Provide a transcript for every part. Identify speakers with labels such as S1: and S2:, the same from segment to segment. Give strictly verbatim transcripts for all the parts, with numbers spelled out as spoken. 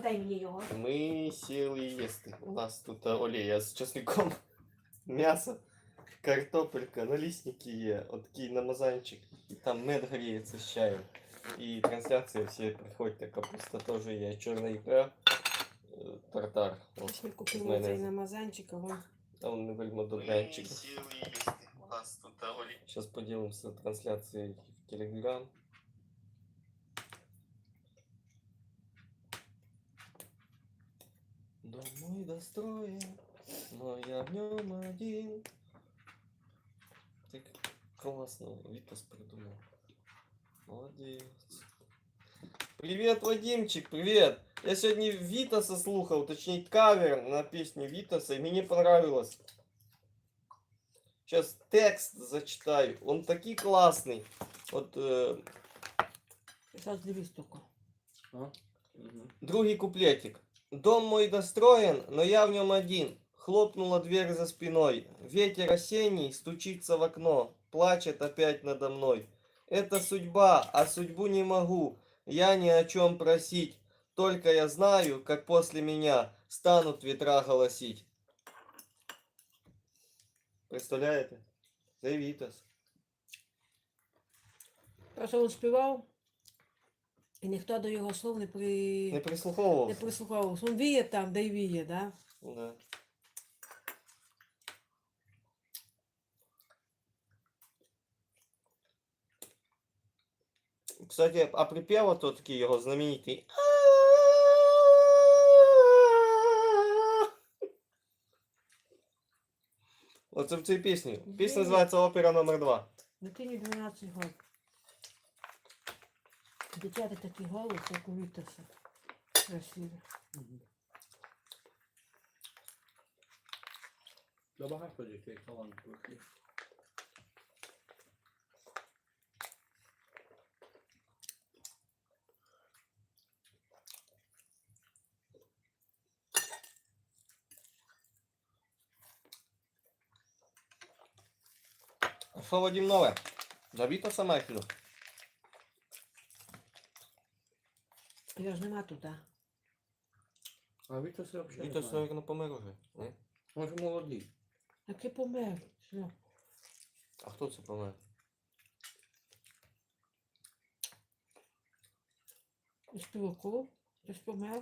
S1: дай мені його.
S2: Ми сіли їсти. У нас тут олія з чесником, м'ясо, картопелька, налісники є, отакий намазанчик. І там мед гріється з чаєм. І трансляція, всі приходьте, капуста теж є, чорна ікра, е, тартар.
S1: Ось ми купили цей намазанчик, а вон.
S2: А он не вельми добрянчик. Сейчас поделимся трансляцией в Телеграм. Дом мой достроен, но я в нем один. Так классно, Витас придумал. Молодец. Привет, Вадимчик, привет! Я сегодня Витаса слухал, точнее кавер на песню Витаса, и мне понравилось. Сейчас текст зачитаю, он такой классный. Вот э...
S1: Сейчас дивись только.
S2: А? Угу. Другий куплетик. Дом мой достроен, но я в нем один. Хлопнула дверь за спиной. Ветер осенний стучится в окно. Плачет опять надо мной. Это судьба, а судьбу не могу. Я ни о чем просить. Только я знаю, как после меня станут ветра голосить. Представляєте? Це Вітас.
S1: Просто він співав, і ніхто до його слов не, при...
S2: Не прислуховувався?
S1: не прислуховувався. Він віє там, де й віє, да?
S2: Да. Кстати, а припев то такий його знаменитий. Оце в цій пісні. Пісня називається «Опера номер два».
S1: Дитині дванадцять років. Дитяти такий голос, як у Вітаса. Красивий.
S3: Да багато дітей талантливих є.
S2: Що, Вадим, нове? За Вітаса Майхлю?
S1: Я ж нема тут, а?
S3: А Вітас я взагалі не
S2: Вітас,
S3: знаю.
S2: мабуть, помер уже. Ні?
S3: Він ж молодий.
S1: Який помер? Що?
S2: А хто це помер?
S1: Із Піваков? Хтось помер?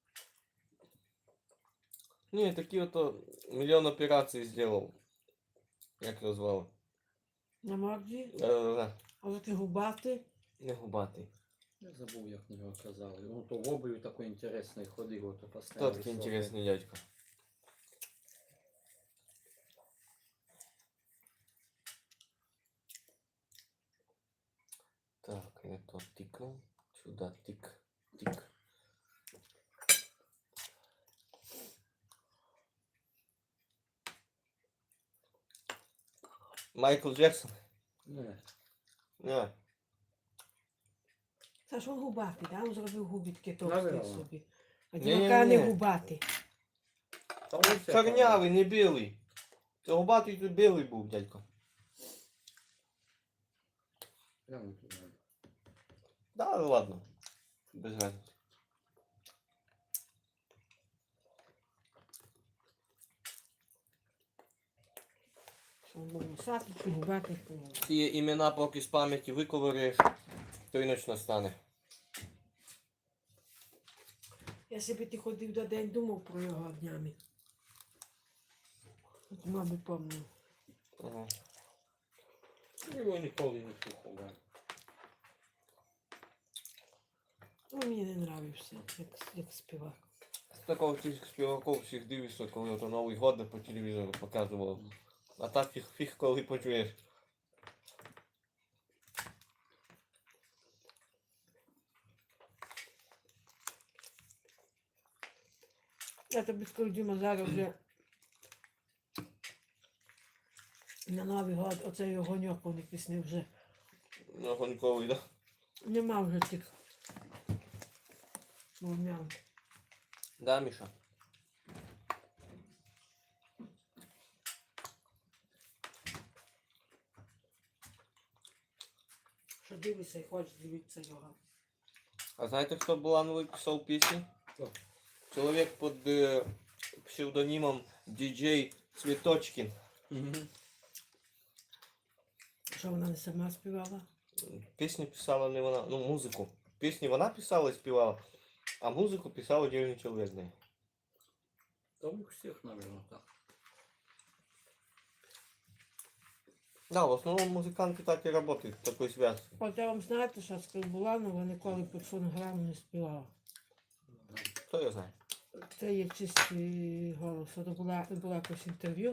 S2: Ні, такі ото мільйон операцій зробив. Як його звали?
S1: На морді?
S2: Е,
S1: А такий губатий?
S2: Не губатий.
S3: Я забув, як на нього казали. Ну то в обуві такий інтересний ходив, ото
S2: Хто
S3: поставив.
S2: такий інтересний дядько? Так, это тыкнул. Сюда тык, тык. Майкл Джексон?
S3: Не.
S2: Не.
S1: Це ж він губатий, да? Він зробив губи такі
S3: Наверно.
S1: товсті собі. А
S2: Ні-ні-ні.
S1: дівака не губатий.
S3: Та ось я
S2: Чорнявий, не білий. Це губатий тут білий був, дядько.
S3: Прямо тут надо.
S2: Да, ладно. Без разницы.
S1: Що він був носатий, чи губатий.
S2: Ці імена поки з пам'яті виковириш, то й ніч настане.
S1: Я собі ти ходив до день, думав про його днями. От мамі пам'ятаю.
S2: Ага.
S3: Його ніколи не слухав. да.
S1: Ну, мені не нравився, як, як співак.
S2: З такого цих співаків всіх дивишся, коли ото Новий год по телевізору показував. А так фіг, фіг коли почуєш.
S1: Я тобі скажу, Діма, зараз вже на Новий год оцей огоньок вони пісні вже.
S2: Ну, гоньковий, да?
S1: Нема вже тих вогнян.
S2: Да, Міша?
S1: Що дивишся і хочеш дивитися його.
S2: А знаєте, хто Булановий писав пісні?
S3: Хто?
S2: Чоловік під е, псевдонімом діджей Цвіточкін.
S3: Мгм.
S1: Що вона не сама співала?
S2: Пісні писала не вона, ну музику. Пісні вона писала і співала, а музику писав отдельний чоловік. Не.
S3: Да у всех, наверное, так.
S2: Да, в основному музиканти так і працюють, в такій зв'язці.
S1: От я вам знаєте, що з Буланова ніколи під фонограму не співала.
S2: Хто я знає?
S1: Це є чистий голос. От була, була якось інтерв'ю.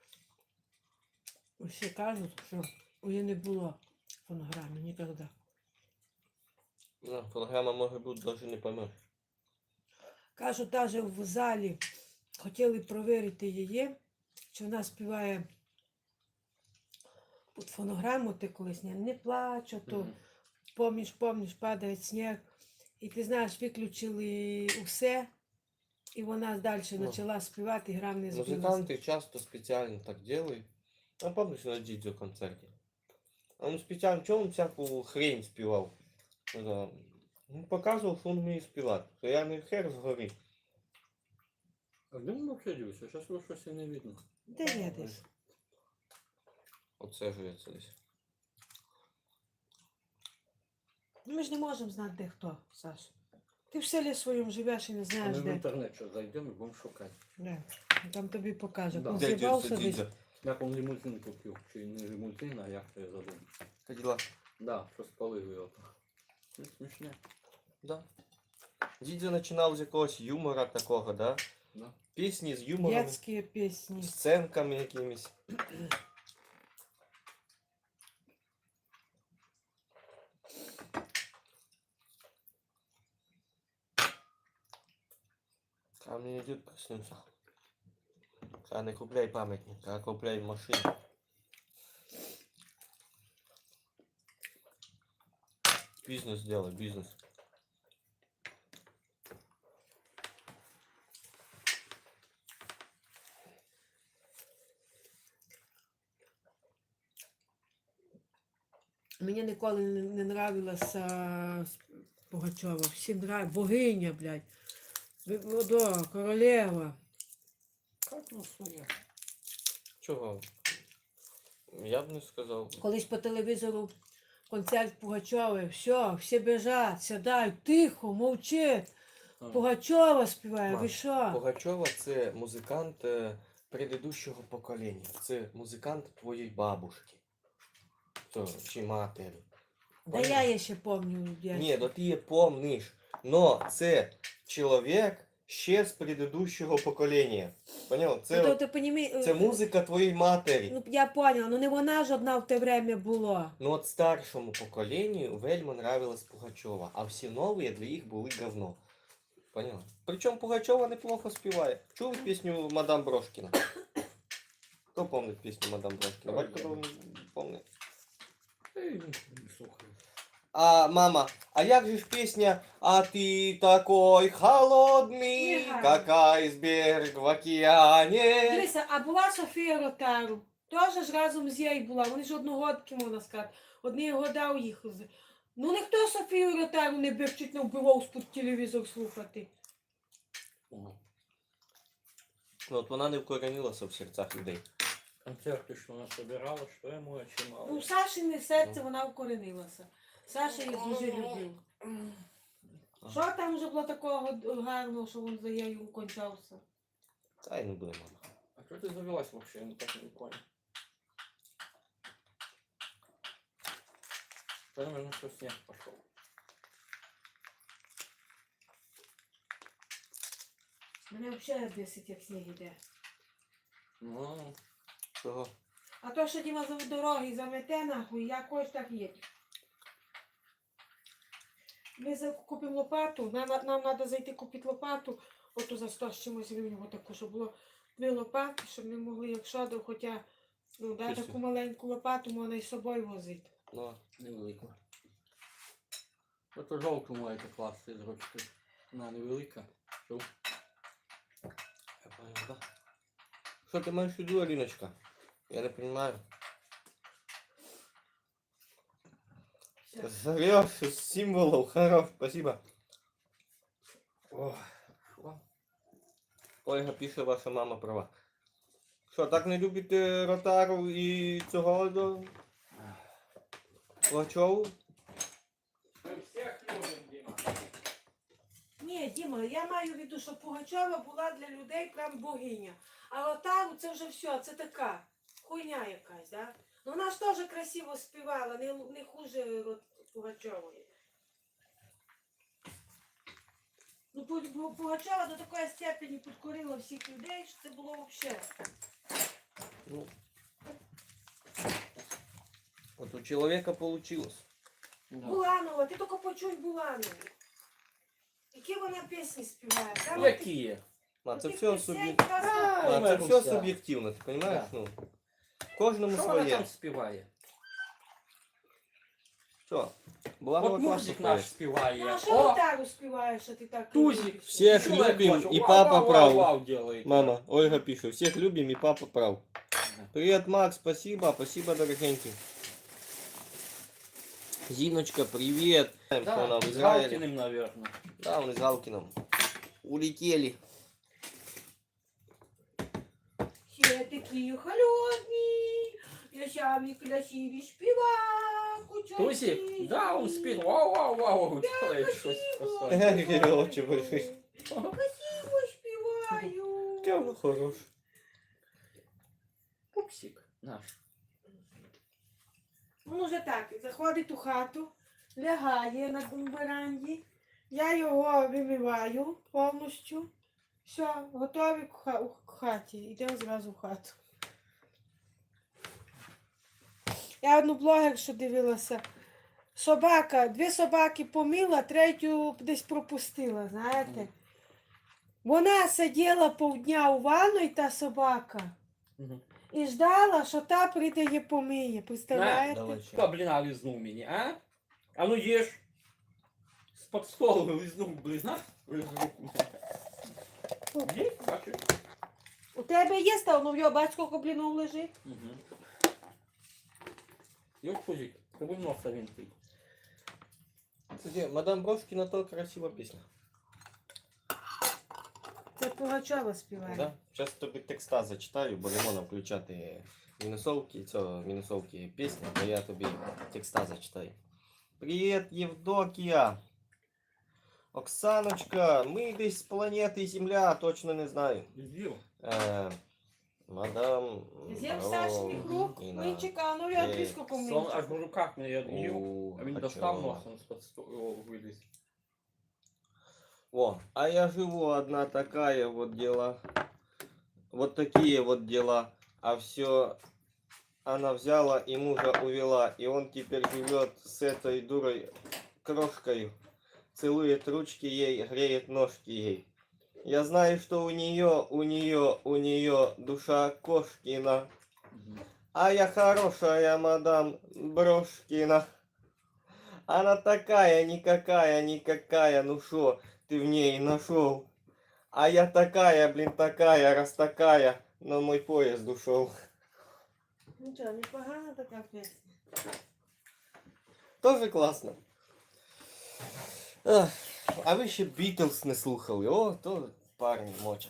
S1: Усі кажуть, що у її не було фонограми ніколи.
S2: Ну, фонограма може бути, навіть не поймеш.
S1: Кажуть, навіть в залі хотіли перевірити її, чи вона співає під фонограму, ти колись не, не плачу, то
S3: Мгм.
S1: помніш, помніш, падає сніг. І ти знаєш, виключили усе, і вона далі
S2: Ну.
S1: почала співати, і грав не збилася.
S2: Музиканти часто спеціально так роблять. А пам'ятаєш на Дідзо концерті? А він спеціально, чому він всяку хрень співав? Ну, ну, показував, що він вміє співати. То я не хер згорі.
S3: А где он вообще делся? Сейчас его щось і не видно.
S1: Де я десь?
S2: Оце живеться десь.
S1: Ну, ми ж не можемо знати, де хто, Саш. Ти в селі своєму живеш і не
S3: А
S1: знаєш,
S3: ми в
S1: де.
S3: інтернет що зайдемо і будемо шукати.
S1: Де. Там тобі покаже.
S3: Да.
S1: Он
S2: Де
S1: з'їбався
S2: Дідзо,
S1: десь.
S2: Дідзо?
S3: Як он лимузин купив, чи не лимузин, а як то я забув.
S2: Каділа.
S3: Да, що спалив його. Ну, смішне.
S2: Да. Дідзо починав з якогось юмора такого, да?
S3: Да.
S2: Пісні з юмором,
S1: Детські пісні.
S2: сценками якимись. А мені дід приснився. А не купляй пам'ятник, а купляй машину. Бізнес сделай, бізнес.
S1: Мені ніколи не, не нравилася Пугачова. Всім нравилась. Богиня, блядь. Водо, королева.
S3: Как ну своє?
S2: Чого? Я б не сказав.
S1: Колись по телевізору концерт Пугачової. Все, всі біжать, сідають, тихо, мовчить.
S3: А,
S1: Пугачова співає, ви
S2: Маш,
S1: що?
S2: Пугачова це музикант е, предыдущого покоління. Це музикант твоєї бабушки. То, чи матері.
S1: Да я її ще пам'ятаю. я
S2: Ні,
S1: ще-
S2: ну ти її помниш. Но це чоловік ще з предыдущого покоління. Поняв?
S1: Ну,
S2: Це,
S1: то
S2: от-
S1: ти понімі...
S2: це музика твоєї матері.
S1: Ну, я поняла, ну не вона ж одна в те время була.
S2: Ну от старшому поколению вельми нравилась Пугачова, а всі нові для їх були говно. Поняла? Причому Пугачова неплохо співає. Чули пісню Мадам Брошкіна? Хто пам'ятає пісню Мадам Брошкіна?
S3: Ой,
S2: Батько
S3: я-
S2: пам'ятає.
S3: та й не слухаю.
S2: А мама, а як же ж пісня «А ти такой холодний,
S1: Не гарно.
S2: как айсберг в океані».
S1: Дивися, а була Софія Ротару. Теж ж разом з її була. Вони ж одногодки, можна сказати. Одні года у їх. з- Ну ніхто Софію Ротару не бив, чуть не вбивав з-під телевізор слухати.
S3: О,
S2: Ну от вона не вкоренилася в серцях людей.
S3: концерти, що вона собирала, що я маю чимало.
S1: Ну, Сашине серце вона вкоренилася. Саша їх дуже любив. Що там вже було такого гарного, що він за нею кончався?
S2: Та й не буде, мама.
S3: А что ты завелась вообще? Я так не понял. Наверное, что снег пошел.
S1: Мене взагалі бесить, як сніг іде.
S3: Ну,
S2: Чого?
S1: А то, що Діма за дороги замете нахуй, я хоч так їду. Ми за- купимо лопату, нам, нам треба зайти купити лопату, ото за сто з чимось гривень, отаку, щоб було дві лопати, щоб ми могли, якщо до, хоча, ну, да,
S2: Чисто.
S1: таку маленьку лопату можна із собою возити.
S2: Ну,
S3: невелика. Это жовту маєте класти з ручки. Вона невелика. Що?
S2: я понял, да. Що ти маєш в виду, Аліночка? Я не понимаю.
S1: Все.
S2: Зарешь из символов. Хорош, спасибо.
S3: Ох, що?
S2: Ольга пише, ваша мама права. Що, так не любите Ротару і цього до Пугачову?
S3: Ми всіх любимо, Діма.
S1: Ні, Діма, я маю в виду, що Пугачова була для людей прям богиня. А Ротару це вже все, це така хуйня якась, да? Ну вона ж теж красиво співала, не, не хуже Рот- Пугачової. Ну, Пу- Пу- Пугачова до такої степені підкорила всіх людей, що це було взагалі.
S2: Ну, от у чоловіка получилось.
S3: Да.
S1: Буланова, ти тільки почуй Буланову. Які вона пісні співає? Там
S3: Які?
S2: А це
S1: таких
S2: все
S1: пісень
S2: суб'єктивно.
S1: просто-
S2: А, це
S3: Ой,
S2: все
S3: Маруся.
S2: суб'єктивно, ти розумієш?
S3: Да.
S2: Ну, кожному
S3: Що вона
S2: своє.
S3: там співає?
S2: Що? Буланова
S3: От
S2: класно
S3: музик
S2: поет.
S3: наш співає.
S1: Ну, а що
S3: О,
S1: Ротару співаєш, що ти так
S3: Тузик.
S1: любиш?
S2: Всіх
S3: Чоловік
S2: любим,
S3: хоче.
S2: і
S3: Вау,
S2: папа
S3: вау,
S2: прав.
S3: вау, вау делает.
S2: Мама, Ольга пише, всіх любим і папа прав.
S3: Ага.
S2: Привет, Макс, спасибо, спасибо, дорогенький. Зиночка, привет. Знаем, что она
S3: Да,
S2: в
S3: с
S2: Израиле.
S3: Галкиным, наверное.
S2: Да, он из Галкиным. Улетели.
S1: Все такі холодні, я самі красиві співаку.
S3: Тузик? Да, он спит. Вау, вау, вау, делает что-то.
S2: Какие очи большие.
S1: Красиво співаю.
S2: Какой он хорош.
S3: Пупсик наш.
S1: Ну, вже так, заходить у хату, лягає на веранді, я його вимиваю повністю. Все, готові к ха- у хаті. Йдемо зразу в хату. Я одну блогершу дивилася. Собака, дві собаки помила, третю десь пропустила, знаєте. Вона сиділа півдня у ванної, та собака,
S3: Мгм.
S1: і ждала, що та прийде її помиє. Представляєте?
S2: Давай,
S3: Кто,
S2: чё.
S3: блин, лизнул меня, а? А ну ешь. С-под стола лизнул, блин, а? Лизнул. Есть, бачиш?
S1: У тебе є став, ну в його батько коблінов лежить.
S3: Угу. Ёж, Пузик, тобі носа винтий.
S2: Кстати, мадам Брошкина то красива песня.
S1: Це Пугачова співає.
S2: Да? Сейчас тобі текста зачитаю, бо не можна включати мінусовки, цього мінусовки пісні, то я тобі текста зачитаю. Привіт, Євдокія! Оксаночка, ми десь з планети Земля, точно не знаю.
S3: Иди.
S2: Е, мадам
S1: З'їв Сашиних рук,
S2: Брошкіна.
S1: ну і чекав, ну я
S2: Е,
S1: близько
S3: Сон
S1: помив.
S3: аж в руках не їв,
S2: У,
S3: а він
S2: а
S3: достав
S2: чого?
S3: носом з-під столу виліз.
S2: О, а я живу одна такая вот дела. Вот такие вот дела. А все она взяла и мужа увела. И он теперь живет с этой дурой крошкой. Целует ручки ей, греет ножки ей. Я знаю, что у нее, у нее, у нее душа кошкина. А я хорошая мадам Брошкина. Она такая, никакая, никакая, ну шо ты в ней нашел? А я такая, блин, такая, раз такая, на мой поезд ушел.
S1: Ну що, непогана така пісня.
S2: Тоже классно. Ах, а ви ще Бітлз не слухали? О, то парні мочать.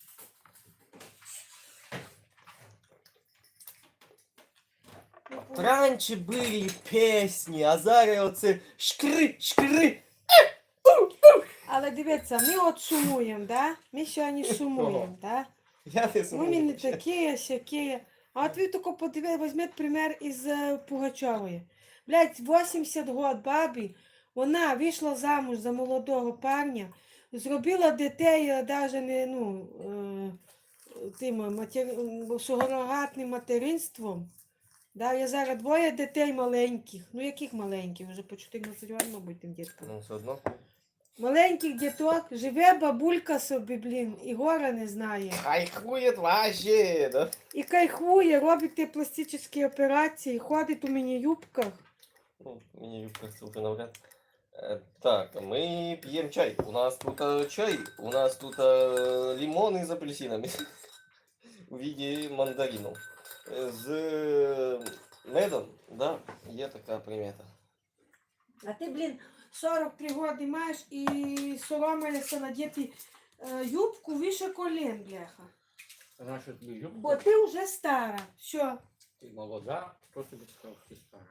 S1: Ну, Пу-
S2: Раніше були пісні, а зараз оце шкри, шкри.
S1: Але дивіться, ми от сумуємо, да? Ми сьогодні сумуємо, да?
S2: Я не
S1: Ну, ми не
S2: знаю.
S1: такі, сякі. А от ви тільки подивіться, візьміть пример із е, Пугачової. Блядь, вісімдесят год бабі, вона вийшла замуж за молодого парня, зробила дітей навіть не, ну, е, тим матер... сурогатним материнством. Да, я зараз двоє дітей маленьких. Ну яких маленьких? Вже по чотирнадцять років, мабуть, тим діткам.
S2: Ну, все одно.
S1: Маленьких діток, живе бабулька собі, блін, і гора не знає.
S2: Хайхует вообще, да?
S1: І кайфує, робить ті пластичні операції, ходить у міні-юбках.
S2: Ну, мне кажется, уже навряд. Э, Так, мы пьем чай. У нас тут э, чай, у нас тут э, лимоны с апельсинами в виде мандаринов. Э, С э, медом, да, є така примета.
S1: А ти, блін, сорок три роки маєш і соромилися надіти е, юбку вище колін, бляха.
S3: Наша тобі юбка.
S1: Бо ти вже стара. Що?
S3: Ти молода, хто тобі сказав, що ти стара?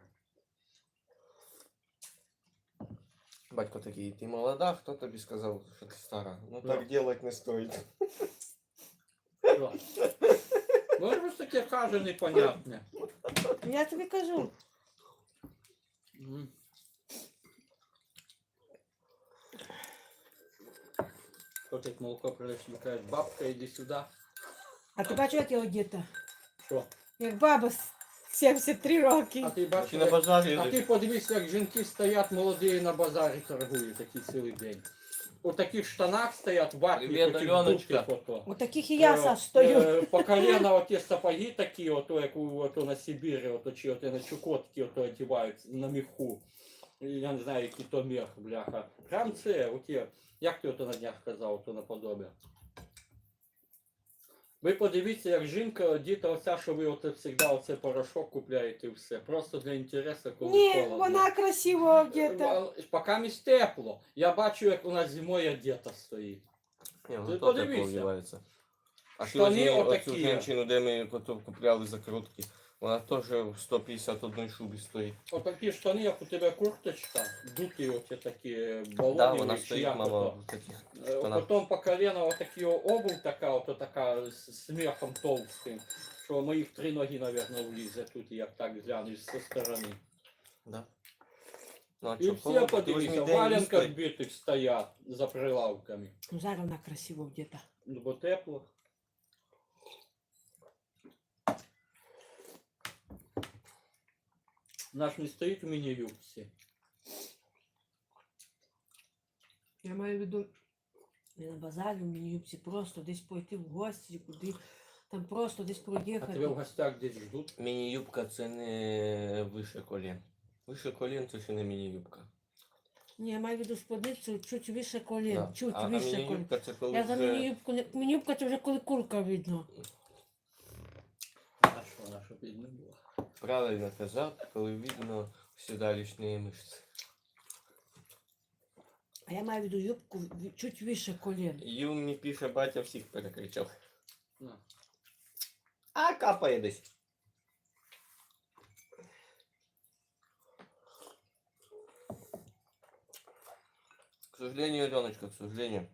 S2: Батько такий, ти молода, хто тобі сказав, що ти стара? Ну
S3: Да.
S2: так делать не стоїть.
S3: Що? Ну, щось таке каже непонятне.
S1: Я тобі кажу.
S3: М. Хто тут молоко принесли, каже, бабка, іди сюди.
S1: А ти бачиш, як я одіта?
S3: Що?
S1: Як баба з сімдесят три роки.
S3: А ти
S2: Чи
S3: бачиш,
S2: на базарі?
S3: а ти подивись, як жінки стоять молоді на базарі торгують такий цілий день. У таких штанах стоять ватні,
S2: Привіт,
S3: таких
S2: Альоночка.
S3: дубких ото.
S1: У таких і я,
S3: Е,
S1: Саш, стою.
S3: е, По коліна оті сапоги такі, ото, як у, ото на Сибірі, ото, чи ото на Чукотці ото одівають на міху. Я не знаю, який то мех, бляха. Прям це, оті, як ти ото на днях казав, ото наподобие. Ви подивіться, як жінка одіта оця, що ви оце завжди оце порошок купляєте і все. Просто для інтересу, коли
S1: Ні,
S3: холодно.
S1: вона красиво одіта.
S3: Е, Поки місь тепло. Я бачу, як вона зимою одета стоїть.
S2: Ні,
S3: Ти
S2: ну то
S3: подивися.
S2: тепло вдівається. А
S3: Штани
S2: сьогодні
S3: отакі.
S2: оцю жінку, де ми потім купляли закрутки, вона теж в сто п'ятдесят одній шубі стоїть.
S3: Отакі штани, як у тебе курточка, дуті оці такі балони.
S2: Да, вона
S3: чи
S2: стоїть,
S3: як
S2: мама,
S3: ото.
S2: в таких
S3: Е,
S2: штанах.
S3: Потім по колено отакі обувь така, ото така з сміхом товстим, що моїх три ноги, мабуть, влізе тут, як так гляну зі сторони.
S2: Да. Ну, а
S3: І
S2: чо,
S3: всі
S2: холодно? Ти
S3: подивіться,
S2: візьми
S3: в
S2: день
S3: валенках
S2: їсти.
S3: битих стоять за прилавками.
S1: Ну, зараз вона красиво одіта.
S3: Ну, бо тепло. Наш не стоїть у міні-юбці.
S1: Я маю в виду не на базарі, в міні-юбці, просто десь пойти в гості, куди, там просто десь
S3: А тебе в
S1: проїхати.
S3: гостях десь ждуть.
S2: Міні-юбка це не вище колін. Вище колін це ще не міні-юбка.
S1: Ні, я маю в виду сподницю чуть вище колін,
S2: Да.
S1: чуть
S2: А, а
S1: вище колін.
S2: міні-юбка це коли
S1: Я за
S2: вже...
S1: міні-юбку, не... міні-юбка це вже коли курка видно.
S3: А що, наша бідна була?
S2: Правильно казав, коли видно сідалічні мишці.
S1: А я маю в виду юбку в- чуть вище колін.
S2: Ю мені пише, батя всіх перекричав.
S3: На.
S2: А капає десь. К сожалению, Аленочка, к сожалению.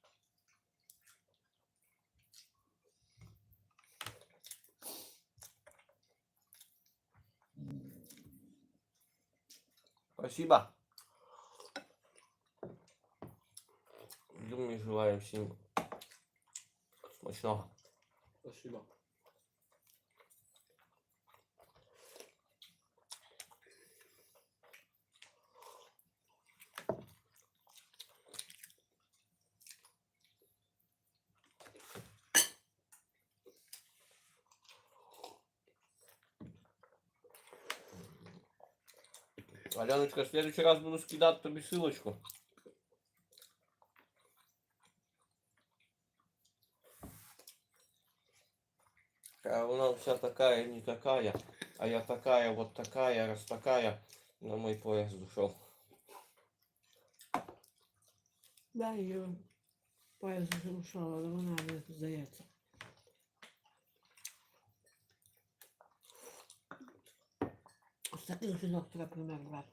S2: Спасибо. Думаю, желаем всем смачного.
S3: Спасибо.
S2: Аляночка, в следующий раз буду скидать тобі ссылочку. А она вся такая, не такая, а я такая, вот такая, раз такая, на мой поезд ушел.
S1: Да, її пояс вже ушов, але вона не здається. Ось таких жінок треба пример брати.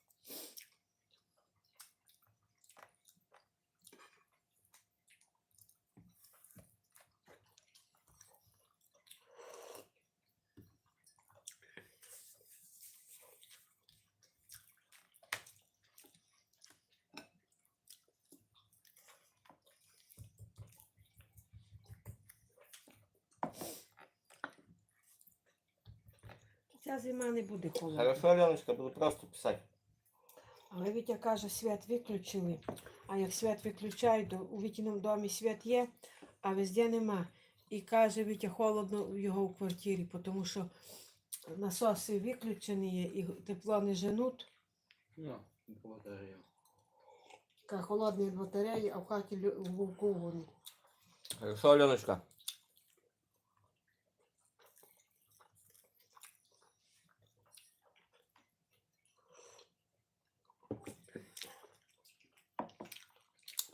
S1: Ця зима не буде холодна.
S2: Хорошо, Аляночка, буду просто писать.
S1: Але Вітя каже, свят виключили. А як свят виключають, то у Вітіному домі свят є, а везде нема. І каже, Вітя, холодно в його в квартирі, тому що насоси виключені є і тепло не женуть.
S3: Ну, благодарю.
S1: Каже, холодні батареї, а в хаті лю- в вулку вони.
S2: Хорошо, Аленочка.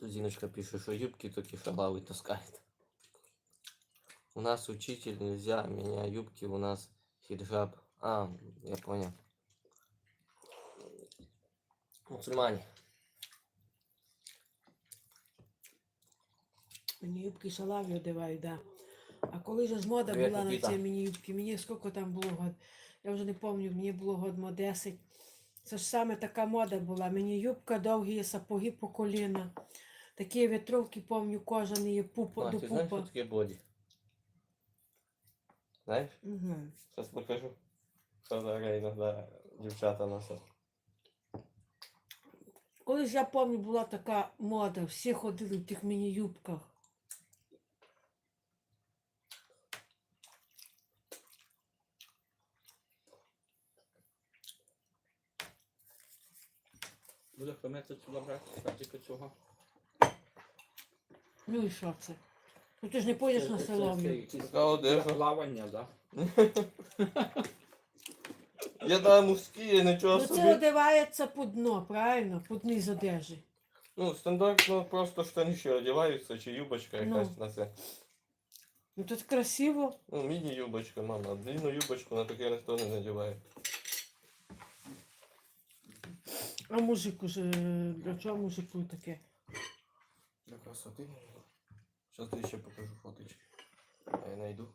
S2: Тут Зиночка пишет, что юбки только шалавы таскает. У нас учитель, нельзя, меня юбки, у нас хиджаб. А, я понял. Мусульмане.
S1: Мені юбки шалаві одягають, да. А коли ж мода
S2: Привіт,
S1: була на
S2: Микита.
S1: ці мені юбки, мені скільки там було год, я вже не пам'ятаю, мені було год мо десять. Це ж саме така мода була. Мені юбка, довгі сапоги по коліна. Такі ветровки, пам'ятаю, кожані пупа
S2: А,
S1: до
S2: ты знаешь, что
S1: пупа.
S2: такое боди? Знаешь?
S1: Угу.
S2: Сейчас покажу. Что за иногда девчата носят.
S1: Колись я пам'ятаю, була така мода, всі ходили в тих міні-юбках.
S3: Буде хомець сюди брати, картика цього.
S1: Ну і що це? Ну ти ж не поїдеш на
S3: Це-
S1: село.
S3: це- це
S1: блін.
S3: якісь
S2: Така одежа.
S3: для плавання, да?
S2: Я да, мужские, ничего
S1: Ну це
S2: себе.
S1: одягається по дно, правильно? По низ одежі.
S2: Ну, стандартно просто штаниші одягаються, чи юбочка
S1: Ну.
S2: якась на це.
S1: Ну тут красиво.
S2: Ну, міні-юбочка, мама. Длинну юбочку на таке ніхто не надіває.
S1: А мужик уже, для чого мужику таке?
S2: Для красоти. Сейчас я ще покажу фоточки. А я найду.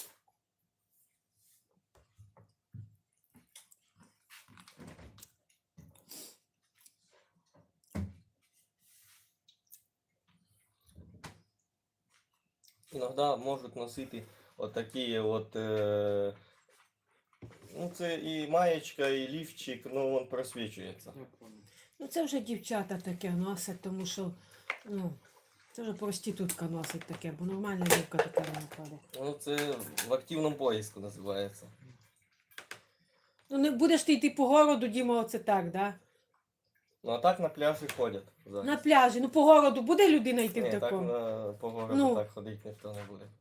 S2: Иногда можуть носити от такі от. Е... Ну, це і маєчка, і лівчик, ну він просвічується.
S3: Я понял.
S1: Ну це вже дівчата таке носять, тому що, ну, це вже проститутка носить таке, бо нормальна юбка така не ходить.
S2: Ну, це в активному поиску називається.
S1: Ну не будеш ти йти по городу, Діма, оце так, да?
S2: Ну а так на пляжі ходять. зараз.
S1: На пляжі, ну по городу буде людина йти
S2: Ні,
S1: в
S2: так
S1: такому?
S2: на, по городу
S1: Ну.
S2: так ходити ніхто не буде.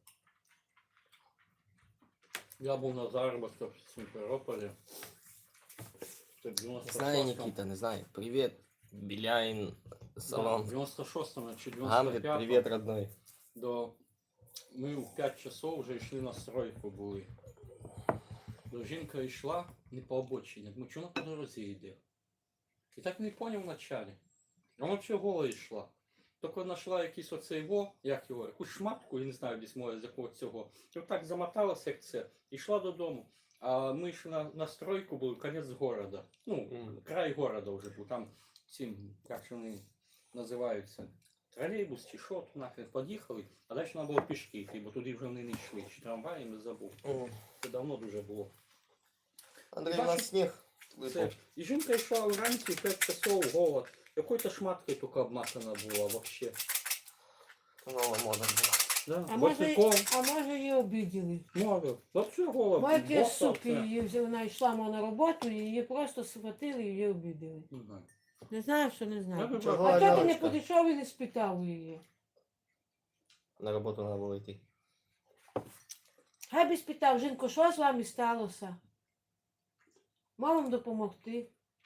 S3: Я був на заробітках в Сімферополі. Це в дев'яносто
S2: Не знаю,
S3: шостому.
S2: Никита, не знаю. Привет, Біляїн,
S3: Да, в
S2: салон.
S3: дев'яносто шостому чи
S2: Гамлет,
S3: дев'яносто п'ятому.
S2: привет, родной.
S3: До... Ми в п'ять часов вже йшли на стройку були. До жінка йшла не по обочині. Думаю, чого вона по дорозі йде? І так не зрозумів вначалі. Вона взагалі гола йшла. Тільки знайшла якийсь оцей во, як його, якусь шматку, я не знаю, десь моє з якого цього. І отак замоталася, як це, і йшла додому. А ми йшли на, на стройку, був кінець города. Ну,
S2: Мгм.
S3: край города вже був. Там цим, як же вони називаються, тролейбус чи що, то нахрен під'їхали, а далі треба було пішки йти, бо туди вже вони не йшли. Чи трамваєм, не забув.
S2: Мгм.
S3: Це давно дуже було.
S2: Андрей, у
S3: Бачиш,
S2: нас сніг
S3: Це.
S2: випав.
S3: І жінка йшла вранці в п'ять часов гола. Якою-то шматкою тільки обматана була вообще.
S2: Нова мода була.
S3: Да?
S1: А може,
S3: Босиком.
S1: а може її обиділи?
S3: Може. Вообще гола.
S1: Майки
S3: боса
S1: суки,
S3: все.
S1: її взяли, вона йшла мо, на роботу, і її просто схватили і її обиділи.
S3: Не знаю.
S1: Не знаю, що не
S3: Я
S1: знаю.
S3: думаю,
S2: Чого,
S1: А чого ти не
S2: Альоночка?
S1: підійшов і не спитав у її?
S2: На роботу треба було йти.
S1: Хай би спитав, жінко, що з вами сталося? Мав вам допомогти?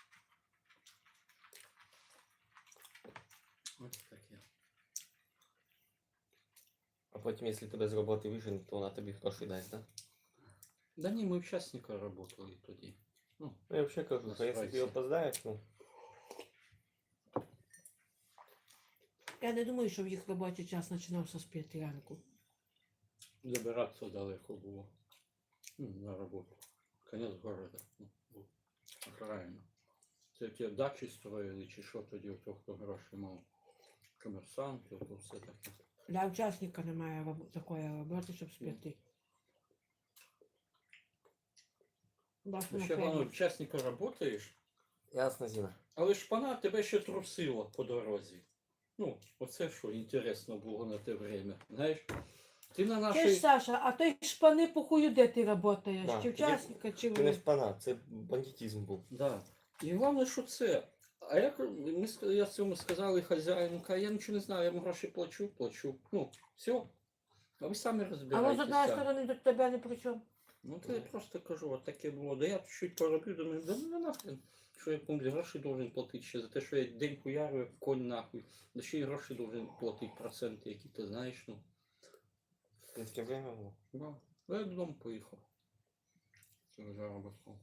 S3: Ось таке.
S2: А потім, якщо тебе з роботи виженуть, то вона тобі гроші дасть, так? Да?
S3: Да ні, ми учасника працювали тоді. Ну,
S2: Ну, я взагалі кажу, що якщо ти
S3: Настройся.
S2: опоздаєш, ну,
S1: Я не думаю, що в їх робочий час починався з п'яти ранку.
S3: забиратися далеко було. Ну, на роботу. Конець города. Ну, був. Окраїна. Це ті дачі строїли, чи що тоді, у того, хто гроші мав. Комерсанти, то все таке.
S1: Для учасника немає роб- такої роботи, щоб з п'яти. Бачу,
S3: Ну,
S1: на
S3: ще
S1: фермі.
S3: воно учасника працюєш,
S2: ясно, Зіна.
S3: але ж пана тебе ще трусило по дорозі. Ну, оце що інтересно було на те время. Знаєш, ти на
S1: Ти ж,
S3: нашій...
S1: Саша, а той шпани по хую, де ти працюєш?
S2: Да,
S1: Чи
S2: ти-
S1: учасника, чи
S2: Це не
S1: в...
S2: шпана, це бандитизм був.
S3: Да. І головне, що це. А як ми, ска- я цьому сказали хазяїну, каже, я нічого не знаю, я йому гроші плачу, плачу. Ну, все. А ви самі
S1: А
S3: розбираєтеся.
S1: може, з одної сторони до тебе не при чому?
S3: Ну, то я просто кажу, от таке було. Да я чуть пороблю, думаю, да ну нахрен. Що я комусь гроші должен платити ще за те, що я день хуярю, як конь нахуй. Да ще й гроші должен платити проценти, які ти знаєш, ну.
S2: Таке время було.
S3: Да. Я додому поїхав. Це заробітком.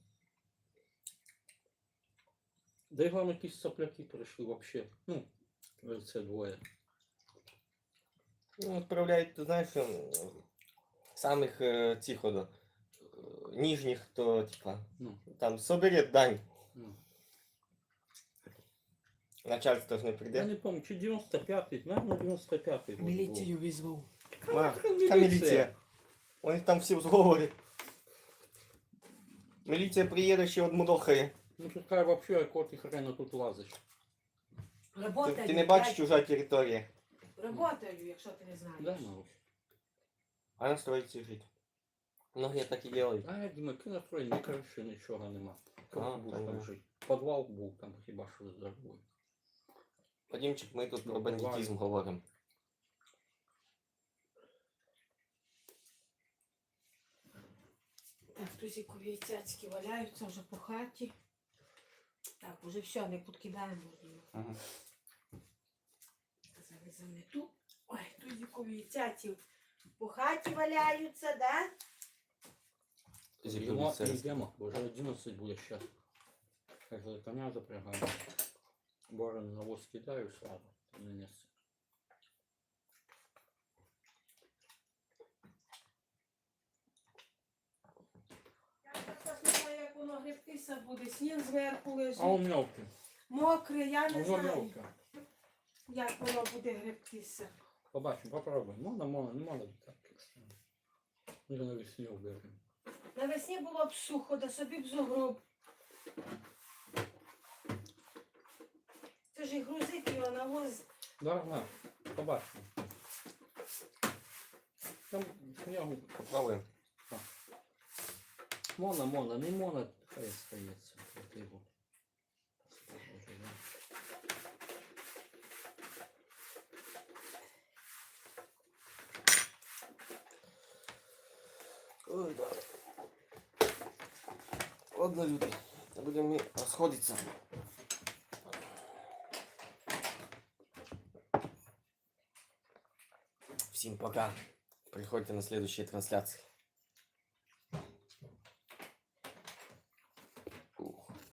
S3: Да і головне, якісь сопляки прийшли вообще. Ну, це двоє.
S2: Ну, відправляють, ти знаєш, ем, самих е, цих от, е, нижніх, то типа,
S3: Ну,
S2: там соберет дань.
S3: ну.
S2: Начальство ж не
S3: Я
S2: прийде.
S3: не пам'ятаю, чи дев'яносто п'ятий, наверное, дев'яносто п'ятий. год був.
S1: Міліцію визвав.
S2: А,
S3: Яка
S2: та міліція. У них там всі в зговорі. Міліція приїде, ще одмудохає.
S3: Ну тут хай вообще, якого ти хрена тут лазиш.
S2: Ти,
S1: Работаю.
S2: ти не бачиш
S1: блядь.
S2: чужа територія.
S1: Работаю, якщо ти не знаєш.
S3: Да, Марусь?
S2: А на стройці жити. Многие так і делають.
S3: А я думаю, кінострой, ні криші, нічого нема. Як
S2: А,
S3: ти будеш
S2: там
S3: там
S2: да.
S3: жити? Підвал був там хіба що з дорогою.
S2: Вадимчик, ми тут
S3: Ну,
S2: про бандитизм говоримо.
S1: Так, тузікові яйцяцькі валяються вже по хаті. Так, уже все, не підкидаємо.
S2: Ага.
S1: Зараз замету. Ой, тузікові яйцяці по хаті валяються, да?
S3: Йдемо,
S2: Зіпровіця.
S3: йдемо, бо вже одинадцять буде ще. Так за коня запрягаємо. Борон на воз кидаю сразу, не несе.
S1: Я так не знаю, як воно гребтися буде. Сніг зверху лежить.
S3: А он мелкий.
S1: Мокре, я не
S3: Уже
S1: знаю,
S3: мелкий.
S1: як воно буде гребтися.
S3: Побачимо, попробуємо. Можна, можна, не можна так. Може навесні оберемо.
S1: Навесні було б сухо, да собі б зогроб. Це ж і грузити його на воз.
S3: Да, на, побачимо. Там снігу.
S2: Попробуємо.
S3: Мона, мона, не мона, хай стається. От його.
S2: Ой, да. Ладно, люди, будемо розходитися. Всем пока. Приходите на следующие трансляции.